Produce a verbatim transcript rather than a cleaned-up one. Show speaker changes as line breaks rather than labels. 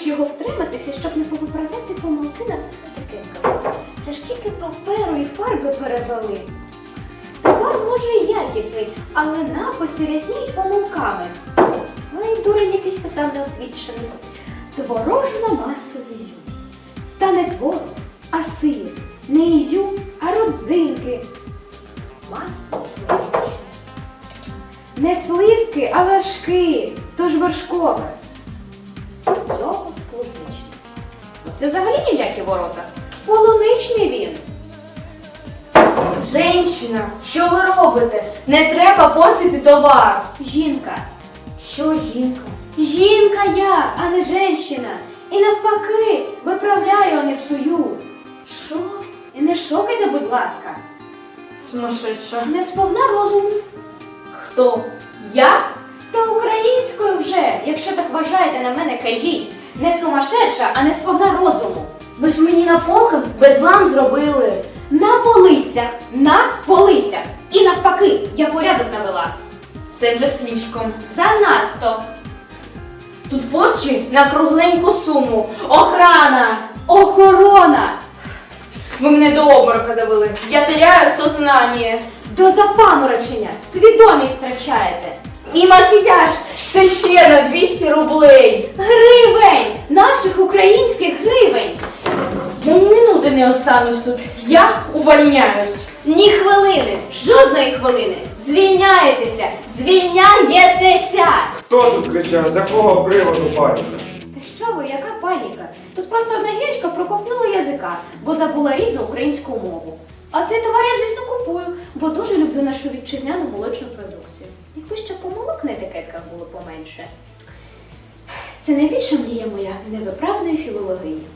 ж його втриматися, щоб не повиправляти помилки на цих етикетках? Це ж тільки паперу і фарби перевели. Товар може і якісний, але написи рясніють помилками. Ну і дурень якийсь писав неосвічений. Творожна маса з ізюму. Та не творог, а сир. Не ізюм, а родзинки. Масло сливочне. Не сливки, а вершки. Тож вершкове. Йогурт клубничний. Ну це взагалі ніякі ворота. Полуничний він.
Женщина, що ви робите? Не треба портити товар.
Жінка.
Що жінка?
Жінка я, а не женщина. І навпаки, виправляю, а не псую.
Що?
І не шокайте, будь ласка.
Сумасшедша.
Не сповна розуму.
Хто? Я?
Та українською вже, якщо так вважаєте на мене, кажіть. Не сумасшедша, а не сповна розуму.
Ви ж мені на полках бедлам зробили.
На полицях, на полицях. І навпаки, я порядок навела.
Це вже слишком.
Занадто.
Тут порчі на кругленьку суму. Охрана!
Охорона.
Ви мене до обморока довели. Я теряю сознання.
До запаморочення. Свідомість втрачаєте.
І макіяж. Це ще на двісті рублей.
Гривень! Наших українських гривень!
Я ні минути не останусь тут. Я увольняюсь.
Ні хвилини, жодної хвилини. Звільняєтеся, звільняєтеся!
Хто тут кричав? З якого приводу паніка?
Та що ви, яка паніка? Тут просто одна жіночка проковтнула язика, бо забула рідну українську мову. А цей товар я, звісно, купую, бо дуже люблю нашу вітчизняну молочну продукцію. Якби ще помилок на етикетках було поменше. Це найбільша мрія моя невиправної філологині.